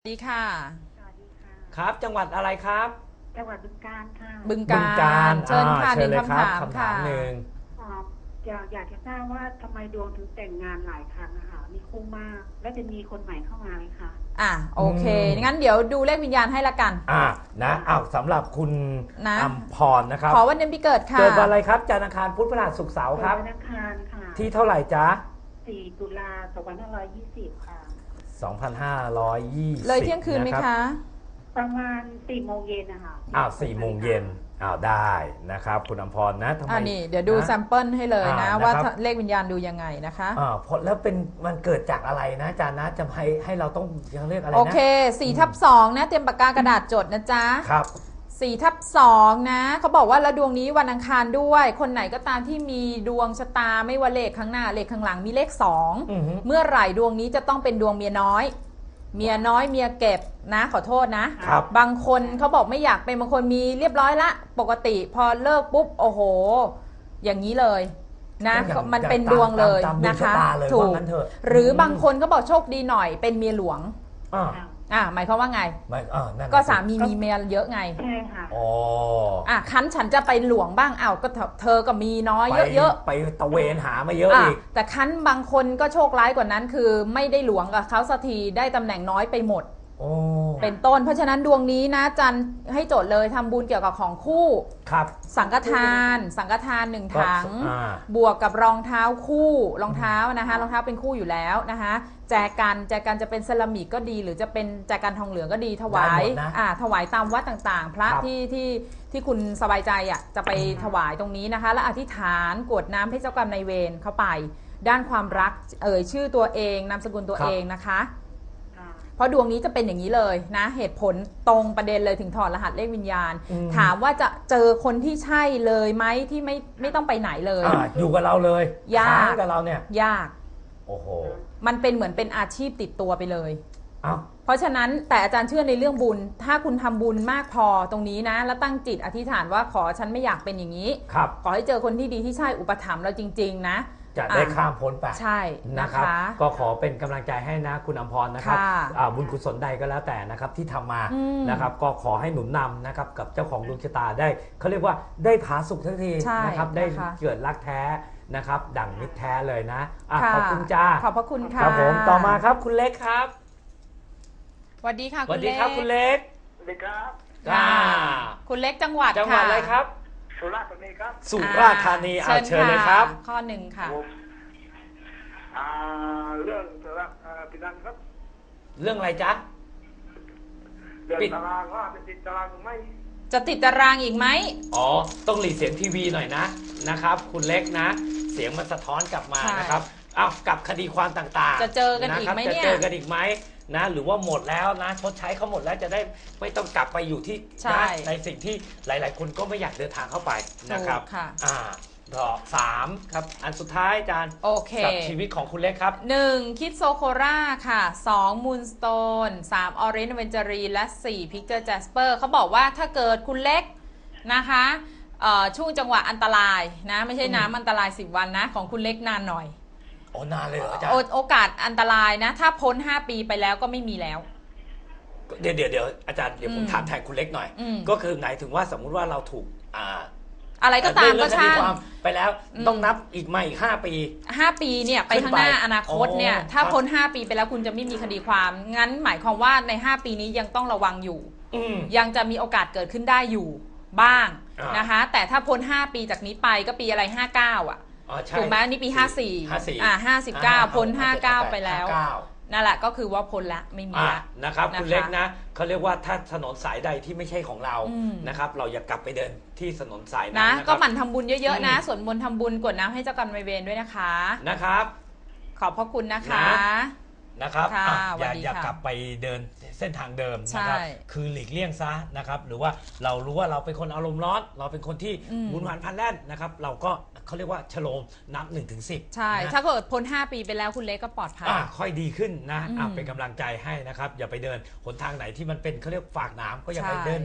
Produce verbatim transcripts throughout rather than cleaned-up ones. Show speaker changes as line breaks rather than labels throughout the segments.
สวัสดีค่ะ
สวัสดีค่ะ
ครับจังหวัดอะไรครับ
จังหวัดบึงกาฬค่ะ
บึง
บึง
กาฬ
กาฬ
เชิญ
อ่า
ค่ะหนึ่ง
เชิญเลยค
คำ
รับ
ถาม
คำถา
ค่ะ
มหนึ่ง
อ่าอยากอยากจะทราบว่าทำไมดวงถึงแต่งงานหลายครั้งอะค่ะมีคู่มาก แล้วจะมีคนใหม่เข้ามาไหมคะ
อ่ะโอเคงั้นเดี๋ยวดูเลขวิญญาณให้ละกัน
อ่านะอ้าวสำหรับคุณ
นะ
อัมพรนะครับ
ขอวันเดือนปีเกิดค่ะ
เกิดวันอะไรครับจันทร์อังคารพุธพฤหัสศุกร์เสาร์ครับ
เกิดวันอังคารค่ะ
ที่เท่าไหร่จ๊ะ
สี่ตุลาสองพันห้าร้อยยี่สิบค่ะ
สองพันห้าร้อยยี่สิบ
เลยเที่ยงคืนไหม
รับ
คะ
ประมาณสี่โมงเย็นนะคะ
อ้าวสี่โมงเย็นอ้าวได้นะครับคุณอัมพรนะทำไม
อ่านี่เดี๋ยวดู
นะ
แซมเปิลให้เลยนะ
อ่า
ว่า
นะครับ
เลขวิญญาณดูยังไงนะคะ
อ่าพอแล้วเป็นมันเกิดจากอะไรนะอาจารย์นะจะให้ให้เราต้องยังเรียกอะไรนะ
โอเคสี่ทับสองนะเตรียมปากกากระดาษจดนะจ๊ะ
ครับ
สี่ทับสองนะเขาบอกว่าแล้วดวงนี้วันอังคารด้วย คนไหนก็ตามที่มีดวงชะตาไม่ว่าเลขข้างหน้าเลขข้างหลังมีเลขสอง
อือฮึ
เมื่อไหร่ดวงนี้จะต้องเป็นดวงเมียน้อย เมียน้อยเมียเก็บนะขอโทษนะครับ บางคนเขาบอกไม่อยากเป็นบางคนมีเรียบร้อยละปกติพอเลิกปุ๊บโอ้โห อย่างนี้เลยนะ
อย่าง
มันเป็นดวงเลย
ตามดวง
นะคะ
ชะตาเลย
ถู
ว่าก งั้นเถอะ
หรือบางคนก็บอกโชคดีหน่อยเป็นเมียหลวง
อ่า
ค่ะ
อ่ะหมายความว่าไง
ไม่อ่านั่นน่ะ
ก็
สิ
สามีมีเมียเยอะไง
ใช่ค่ะ
อ๋อ
อ่ะคันฉันจะไปหลวงบ้างอ้าวก็เธอเธอก็มีน้อย
ไป
เยอะ
ไปตะเวนหามาเยอะ
ๆอ่ะ
อีก
แต่คันบางคนก็โชคร้ายกว่านั้นคือไม่ได้หลวงกับเขาสักทีได้ตำแหน่งน้อยไปหมด
โอ้
เป็นต้น เพราะฉะนั้นดวงนี้นะจันให้โจทย์เลยทำบุญเกี่ยวกับของคู่
ครับ
สังฆทาน สังฆทานหนึ่ง
ก็
ถัง
อ่า
บวกกับรองเท้าคู่รองเท้านะคะรองเท้าเป็นคู่อยู่แล้วนะคะแจกันแจกันจะเป็นเซรามิกก็ดี หรือจะเป็นแจกันทองเหลืองก็ดีถวาย
ได้หมดนะ
อ่าถวายตามวัดต่างๆ พระ
ครับ
ที่ที่ที่คุณสบายใจอ่ะจะไปถวายตรงนี้นะคะ และอธิษฐานกรวดน้ำให้เจ้ากรรมนายเวรเข้าไป ด้านความรักเอ่ยชื่อตัวเองนามสกุลตัวเองนะคะ
ค่ะ
เพราะดวงนี้จะเป็นอย่างนี้เลยนะเหตุผลตรงประเด็นเลยถึงถอดรหัสเลขวิญญาณ
อืม
ถามว่าจะเจอคนที่ใช่เลยไหมที่ไม่ไม่ต้องไปไหนเลย
อ่าอยู่กับเราเลย
ยาก
ค้างกับเราเนี่ย
ยาก
โอ้โห
มันเป็นเหมือนเป็นอาชีพติดตัวไปเลย
เอ้า
เพราะฉะนั้นแต่อาจารย์เชื่อในเรื่องบุญ ถ้าคุณทำบุญมากพอตรงนี้นะ แล้วตั้งจิตอธิษฐานว่าขอฉันไม่อยากเป็นอย่างนี้
ครับ
ขอให้เจอคนที่ดีที่ใช่อุปถัมภ์เราจริง ๆ นะ
จะได้
อ่ะ
ข้ามพ้นไป
ใช่
นะ
นะ
ครั
คะ
บ ก็ขอเป็นกำลังใจให้นะคุณอมพรนะครับ
ค่ะ
อ่าบุญกุศลใดก็แล้วแต่นะครับที่ทำมา
อืม
นะครับ ก็ขอให้หนุนนำนะครับกับเจ้าของดวงชะตาได้เขาเรียกว่าได้ผาสุกทันที
ใช่
นะครับได้
นะคะ
เกิดรักแท้นะครับ ดั่งมิตรแท้เลยนะอ่ะ
ค่ะ
ขอบคุณจ้า
ขอบพระคุณค่ะ
ครับผมต่อมาครับคุณเล็กครับ
สวัสดีค่ะ
สวั
คุ
ส
ณ
ดี
เล็ก
ครับคุณเล็ก
สวัสดีครับ
ค่ะ
อ่า
คุณเล็กจังหวัด
จังหวัด
ค่ะ
อะไรครับ
สุราษฎร์ธานีครับ
สุราษฎร์ธานีอ่าเชิญเลยครับ
ะข้อหนึ่งค่ะ
ผมอ่าเรื่องตารางอ่าปิดันครับ
เรื่องอะไรจ๊ะ
เรื่อง
ปิด
ตารางว่าเป็นติดตารางหรือไม่
จะติดตารางอีกไหม
อ๋อ ต้องหลีเสียงทีวีหน่อยนะนะครับ คุณเล็กนะ เสียงมันสะท้อนกลับมา
ใช่
นะครับอ้าวกับคดีความต่างๆ
จะเจอกันอีกไหม
ะครับ
เนี่ย
จะเจอกันอีกไหมนะ หรือว่าหมดแล้วนะชดใช้เขาหมดแล้วจะได้ไม่ต้องกลับไปอยู่ที่
ใช่
นะในสิ่งที่หลาย ๆ คนก็ไม่อยากเดินทางเข้าไปนะครับ
ถูกค่ะ
อ่าต่อสามครับอันสุดท้ายอาจารย์
โอเค
กับชีวิตของคุณเล็กครับ
หนึ่งคิดโซโคราค่ะสองมูนสโตนสามออเรนจ์เวนจารีและสี่พิกเจอร์แจสเปอร์เขาบอกว่าถ้าเกิดคุณเล็กนะคะเอ่อช่วงจังหวะอันตรายนะไม่ใช่น้ำอันตรายสิบวันนะของคุณเล็กนานหน่อย
โอ้นานเลยเหรออาจาร
โอ
ย์
โอกาสอันตรายนะ ถ้าพ้นห้าปีไปแล้วก็ไม่มีแล้ว
เดี๋ยวเดี๋ยวเดี๋ยวอาจารย์เดี๋ยวผม
อืม
ถามแทนคุณเล็กหน่อย
อืม
ก็คือหมายถึงว่าสมมุติว่าเราถูกอ่า
อะไรก็ตามก็
เรื่องคดี
ช่าง
ความไปแล้ว
อืม
ต้องนับอีกมาอีกห้าปี
ห้าปีเนี่ยไปข้างหน้า
ขึ้นไป
อนาคตเนี่ย
อ๋อ
ถ้า
ครับ
พ้นห้าปีไปแล้วคุณจะไม่มีคดีความ งั้นหมายความว่าในห้าปีนี้ยังต้องระวังอยู่
อืม
ยังจะมีโอกาสเกิดขึ้นได้อยู่บ้าง
อ่าน
นะคะ แต่ถ้าพ้นห้าปีจากนี้ไปก็ปีอะไรห้าเก้าอ่ะ
อ๋อใช่
ถูกไหมนี่ปีห้าสี่
ห้าสี่
อ่าห้าสิบเก้าพ้นห้าเก้าไปแล้ว
ห้าเก้า
นั่นแหละก็คือว่าพ้นละไม่มี
อ่ะ
ละ
นะครับ
นะคะ
คุณเล็กนะเขาเรียกว่าถ้าถนนสายใดที่ไม่ใช่ของเรา
อืม
นะครับ เราอย่ากลับไปเดินที่ถนนสายนั้น
นะ
นะค
ก็
รับ
หมั่นทำบุญเยอะๆนะ
อืม
สวดมนต์ทำบุญกรวดน้ำให้เจ้ากรรมนายเวรด้วยนะคะ
นะครับ
ขอบพระคุณนะคะ
นะ นะครับ
ค่ะ
อ่ะอย่า
สวัสดี
อย่า
ค่ะ
กลับไปเดินเส้นทางเดิมนะครับ
ใช่
คือหลีกเลี่ยงซะนะครับ หรือว่าเรารู้ว่าเราเป็นคนอารมณ์ร้อน เราเป็นคนที่
อืม
หมุนหวานพลันแล่นนะครับ เราก็เขาเรียกว่าชโลมนับหนึ่งถึงสิบ
ใช่ ถ้าเกิดพ้นห้าปีไปแล้วคุณเล็กก็ปลอดภัย
อ่ะค่อยดีขึ้นนะ
อืม
อ่ะเป็นกำลังใจให้นะครับ อย่าไปเดินหนทางไหนที่มันเป็นเขาเรียกฝากหนามก็อย่าไป
ใช่
เดินมัน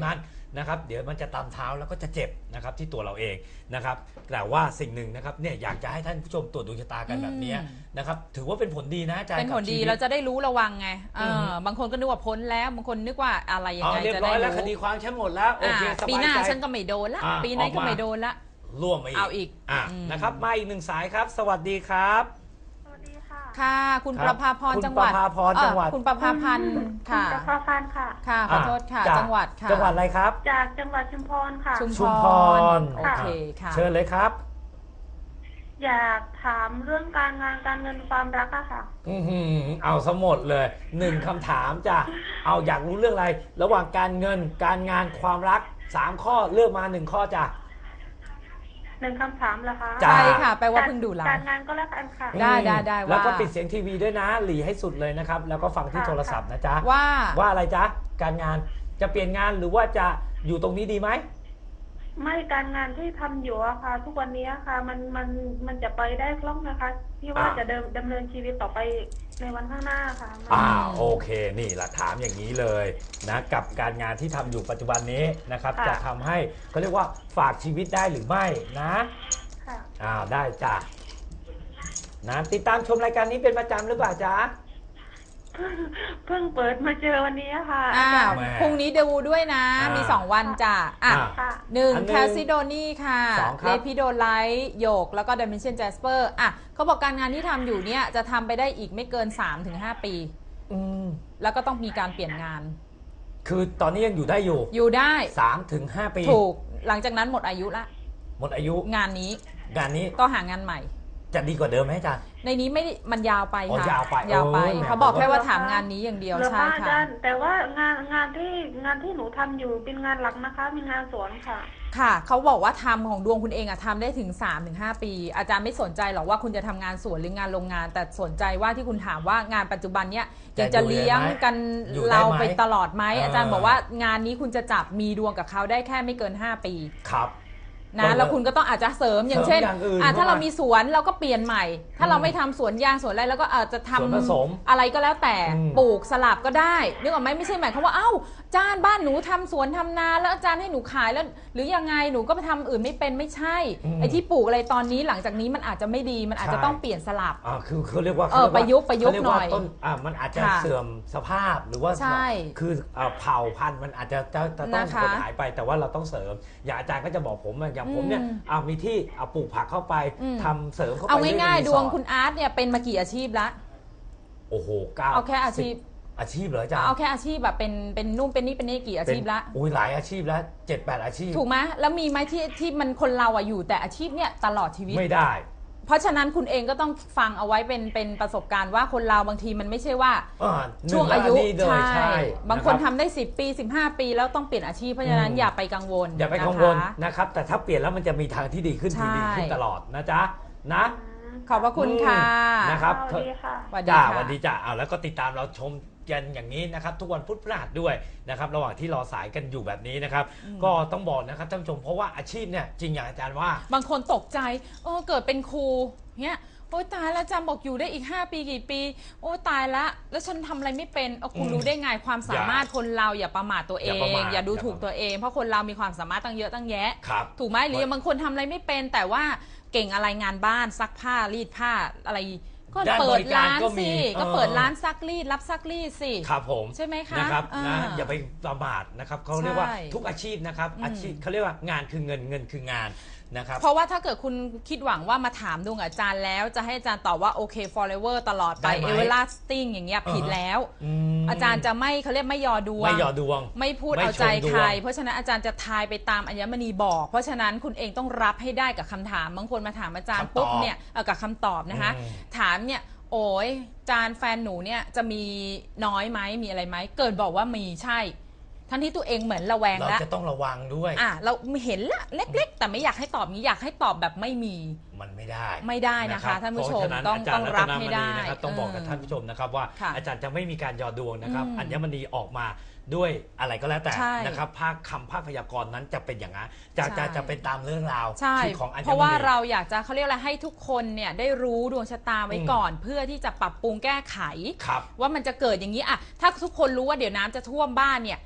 นะครับเดี๋ยวมันจะตามเท้าแล้วก็จะเจ็บนะครับที่ตัวเราเองนะครับแต่ว่าสิ่งหนึ่งนะครับเนี่ยอยากจะให้ท่านผู้ชมตรวจดวงชะตากันแบบนี้นะครับถือว่าเป็นผลดีนะอาจารย์
เป็นผลดี
กับชีวิต
เราจะได้รู้ระวังไงเออ
อือฮึ
บางคนก็นึกว่าพ้นแล้วบางคนนึกว่าอะไรยัง
อ๋อ
ไง
เรียบ
จะ
ร้
ได้
อยแล้วค
รู้
ดีความฉันหมดแล้วโอเค
อ่า
สบายใจ
ปีหน้าฉันก็ไม่โดนละ
อ่า
ปีนั้นก็
ออกมา
ไม่โดนละ
ร่วมมาอีก
เอาอีก
อ่ะ
อืม
นะครับมาอีกหนึ่งสายครับ สวัสดีครับ
สวัสดีค่ะ
ค่ะ คุณ
ค
ป
รับ
ระภาพร
คุณ
จังหวัด
ประภาพรจังหวัด
เอ่อคุณประภาพันธ์ค่ะ
คุณประภาพันธ์ค่ะ
ค่ะขอโทษค่ะ
อ่
จังหวัดค่ะ
จังหวัดอะไรครับ
จากจังหวัดชุมพรค่ะ
ชุม
ชุมพร
โอเคค่ะ
เชิญเลยครับ
อยากถามเรื่องการงานการเงินความรักอะค่ะ
อือหือเอาสมดเลยหนึ่งคำถามจ้ะเอาอยากรู้เรื่องอะไร ระหว่างการเงินการงานความรักสามข้อเลือกมาหนึ่งข้อจ้ะ
หนึ่งคำถามเหรอคะ
จ้ะ
ใช่ค่ะแปลว่าเพิ่งดูไล
การ
ฟ์
งานก็แล้วกันค่ะ
ได้ได้ได้
แล้วก็
ว่า
ปิดเสียงทีวีด้วยนะหลีให้สุดเลยนะครับ แล้วก็ฟังที่
ค่ะ
โทรศัพท์นะจ๊ะ
ว่า
ว่าอะไรจ๊ะการงานจะเปลี่ยนงานหรือว่าจะอยู่ตรงนี้ดีไหม
ไม่การงานที่ทำอยู่อะค่ะ ทุกวันนี้อะค่ะ มันมันมันจะไปได้คล่องนะคะ ที่ว่า
อ่า
จะเดินดำเนินชีวิตต่อไปในวันข้างหน้าค่ะมัน
อ่าโอเคนี่ละถามอย่างนี้เลยนะกับการงานที่ทำอยู่ปัจจุบันนี้นะครับ
ค่ะ
จะทำให้เขาเรียกว่าฝากชีวิตได้หรือไม่นะ
ค่ะ
อ้าวได้จ้ะนะติดตามชมรายการนี้เป็นประจำหรือเปล่าจ๊ะ
เพิ่งเปิดมาเจอวันนี้อะค่ะ
อ่า
อาจารย์
แหม
พรุ่งนี้ดูด้วยนะ
อ่ามี
มีสองวันจ้ะอ่ะ
อ่า
ค่ะ
หนึ่ง
อันหนึ่ง
แคสซิโดนี่ค่ะ
สองครับ
เลพิโดไลท์โยกแล้วก็ดิเมนชันแจสเปอร์อ่ะเขาบอกการงานที่ทำอยู่เนี่ยจะทำไปได้อีกไม่เกิน สามถึงห้า ปี
อืม
แล้วก็ต้องมีการเปลี่ยนงาน
คือตอนนี้ยังอยู่ได้อยู่
อยู่ได้
สามถึงห้าปี
ถูกหลังจากนั้นหมดอายุละ
หมดอายุ
งานนี้
งานนี้
ต้องหางานใหม่
จะดีกว่าเดิมไหมจ๊ะ
ในนี้ไม่ได้มันยาวไป
อ๋อ
ค่ะ
ยาวไป
ยาวไป
โอ้ยแหม
เขาบอกแค่ว่า
ผมว่า
ถามงานนี้อย่างเดียว
เหรอ
ใช่
คะอา
ค่ะ
จารย์แต่ว่างานงานที่งานที่หนูทำอยู่เป็นงานหลักนะคะ มีงานสวนค่ะ
ค่ะเขาบอกว่าทำของดวงคุณเองอะทำได้ถึง สามถึงห้า ปี อาจารย์ไม่สนใจหรอกว่าคุณจะทำงานสวนหรืองานโรงงาน แต่สนใจว่าที่คุณถามว่างานปัจจุบันเนี้ยยังจะเลี้ยงกัน
อยู่ได้ไหม
เราไปตลอดไหม
เอออ
อาจารย์บอกว่างานนี้คุณจะจับมีดวงกับเขาได้แค่ไม่เกิน ห้า ปี
ครับ
นะแล้วคุณก็ต้องอาจจะเสริมอย่างเช่น
เสริมอย่างอื่น
อ่ะถ้า
เข้ามา
เรามีสวนเราก็เปลี่ยนใหม่ ถ้าเรา
อืม
ไม่ทำสวนยางสวนอะไรแล้วก็อาจจะทำ
สวนผสม
อะไรก็แล้วแต่
อืม
ปลูกสลับก็ได้นึกออกไหมไม่ใช่หมายความว่าเอ้าอาจารย์บ้านหนูทำสวนทำนาแล้วอาจารย์ให้หนูขายแล้ว หรือยังไงหนูก็ไปทำอื่นไม่เป็นไม่ใช่
อืม
ไอ้ที่ปลูกอะไรตอนนี้หลังจากนี้มันอาจจะไม่ดีมันอาจจะ
ใช่
ต้องเปลี่ยนสลับ
อ่าคือเขาเรียกว่า
เออ
ขารีว่า
ประยุกต์ประยุกต์
เขาเรีว่า
หน่อย
ต้นอ่ามันอาจจะ
ค่ะ
เสื่อมสภาพหรือว่า
ใช่
คืออ่าเผ่าพันธุ์มันอาจจะจะจะต้อง
นะคะ
สูญหายไปแต่ว่าเราต้องเสริม อย่างอาจารย์ก็จะบอกผมอะอย่างผมเนี่ย
อืม
อ่ามีที่เอาปลูกผักเข้าไป
อืม
ทำเสริมเข้าไป
เอา
รื่
ง่าย
ใน
ๆ ด
รี
ว
ส
ง
อร์ท
คุณอาร์ตเนี่ยเป็นมากี่อาชีพละ
โอ้โหเก้า
เอาแค่อาชีพ
สิบอาชีพเหรออาจารย์
เอาแค่อาชีพแบบเป็นเป็นนู่นเป็นนี่เป็นนี่กี่อาชีพละ
อุ้ยหลายอาชีพแล้วเจ็ดแปดอาชีพ
ถูกไหมแล้วมีไหมที่ที่มันคนเราอะอยู่แต่อาชีพเนี่ยตลอดชีวิต
ไม่ได้
เพราะฉะนั้นคุณเองก็ต้องฟังเอาไว้เป็นเป็นประสบการณ์ว่าคนเราบางทีมันไม่ใช่ว่า
อ่า
ช่วงอายุ
หนึ่งแล้วนนี้เลยใช่
บางคน
นะ
ทำได้สิบปีสิบห้าปีแล้วต้องเปลี่ยนอาชีพเพราะฉะนั้น
อืม
อย่าไปกังวล
อย่าไปกังวล
นะคะ
นะครับ แต่ถ้าเปลี่ยนแล้วมันจะมีทางที่ดีขึ้น
ใช่
ดีขึ้นตลอดนะจ๊ะนะ
ขอบพระคุณค่ะ
นะครับ
สวัสดีค่ะ
สวัสดี
จ้า
ค่ะ
วันดีจ้าเอาแล้วก็ติดตามเราชมกันอย่างนี้นะครับ ทุกวันพุธพฤหัสด้วยนะครับ ระหว่างที่รอสายกันอยู่แบบนี้นะครับ ก็ต้องบอกนะครับท่านผู้ชมเพราะว่าอาชีพเนี่ยจริงอย่างอาจารย์ว่า
บางคนตกใจเออเกิดเป็นครูเนี่ยโอ้ยตายแล้วอาจารย์บอกอยู่ได้อีกห้าปีกี่ปี โอ้ยตายละแล้วฉันทำอะไรไม่เป็นเอาคุณ
อืม
รู้ได้ไงความสามารถคนเราอย่าประมาทตัวเอ
อย่าง ประมาท
อย่าดู
อย่า
ถูกตัวเอง เพราะคนเรามีความสามารถตั้งเยอะตั้งแยะ
ครับ
ถูกไหมหรือ
เพราะ
บางคนทำอะไรไม่เป็น แต่ว่าเก่งอะไรงานบ้านซักผ้ารีดผ้าอะไร ก็
ด้าน
เปิ
บ
ด
ริการ
ร้าน
ก็มี
สิ
เออ
ก็เปิดร้านซักรีดรับซักรีดสิ
ครับผม
ใช่ไหมคะ
นะครับ
อ่า
นะอย่าไปประมาทนะครับเขาเรียกว่า
ใช่
ทุกอาชีพนะครับ
อืม
อาชีพเขาเรียกว่างานคือเงินเงินคืองานนะครับ
เพราะว่าถ้าเกิดคุณคิดหวังว่ามาถามดวงอาจารย์แล้ว จะให้อาจารย์ตอบว่าโอเค forever ตลอดไป
ได้ไหม
everlasting อย่างเงี้ยผิดแล้ว
ม
อาจารย์จะไม่เขาเรียกไม่ยอดวง
ไม่หยอดดวง
ไม่พูด
ไม่
เอาใจ
ชมดวง
ใคร เพราะฉะนั้นอาจารย์จะทายไปตามอัญมณีบอก เพราะฉะนั้นคุณเองต้องรับให้ได้กับคำถามบางคนมาถามอาจารย์ปุ๊บเนี่ยเอ่อกับคำตอบนะคะ
อืม
ถามเนี่ยโอ้ยอาจารย์แฟนหนูเนี่ยจะมีน้อยไหมมีอะไรไหมเกิดบอกว่ามีใช่ ทั้งที่ตัวเองเหมือนระแวง
เรา
แล้ว
จะต้องระวังด้วย
อ่ะเราเห็นละเล็ก ๆ แต่ไม่อยากให้ตอบนี้อยากให้ตอบแบบไม่มี
มันไม่ได้
ไม่ได้นะคะ
รับ
ท่านผู้ชม
เพระฉะนั้น
ต้อง
อาจารย์
ต้องรับ
ตน
ให้ได้
มณีนะครับต้องบอกกับ
เออ
ท่านผู้ชมนะครับว่า
ค่ะ
อาจารย์จะไม่มีการหยอดดวงนะครับ
อืม
อัญมณีออกมาด้วยอะไรก็แล้วแต่
ใช่
นะครับภาคคำภาคพยากรณ์นั้นจะเป็นอย่างนั้นจะ
ใช่
จะจะเป็นตามเรื่องราว
ใช่
ที่ของอัญมณี
เพราะว่าเราอยากจะเขาเรียกอะไรให้ทุกคนเนี่ยได้รู้ดวงชะตาไว้
อืม
ก่อน เพื่อที่จะปรับปรุงแก้ไข
ครับ
ว่ามันจะเกิดอย่างนี้อะถ้าทุกคนรู้ว่าเดี๋ยวน้ำจะท่วมบ้านเนี่ย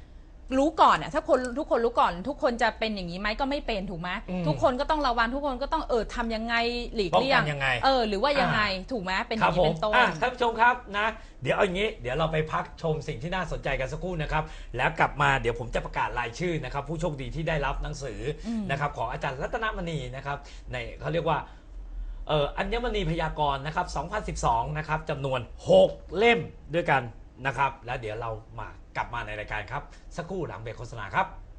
รู้ก่อนอ่ะถ้าคนทุกคนรู้ก่อนทุกคนจะเป็นอย่างนี้ไหมก็ไม่เป็นถูกไหม
อืม
ทุกคนก็ต้องระวังทุกคนก็ต้องเออทำยังไงหลีก
ป้อง
เลี่ย
กั
ง
นยังไง
เออหรือว่ายังไง
อ่า
ถูกไหมเป็นอ
ครั
ย่า
บ
งนี้
ผม
เป็นต้น
อ่ะท่านผู้ชมครับนะเดี๋ยวเอาอย่างนี้เดี๋ยวเราไปพักชมสิ่งที่น่าสนใจกันสักครู่นะครับแล้วกลับมาเดี๋ยวผมจะประกาศรายชื่อนะครับผู้โชคดีที่ได้รับหนังสืออ
ม
นะครับของอาจารย์รัตนมณีนะครับในเขาเรียกว่าเอ่ออัญมณีพยากรณ์นะครับสองพันสิบสองนะครับจำนวนหกเล่มด้วยกันนะครับแล้วเดี๋ยวเรามากลับมาในรายการครับสักครู่หลังเบรกโฆษณาครับ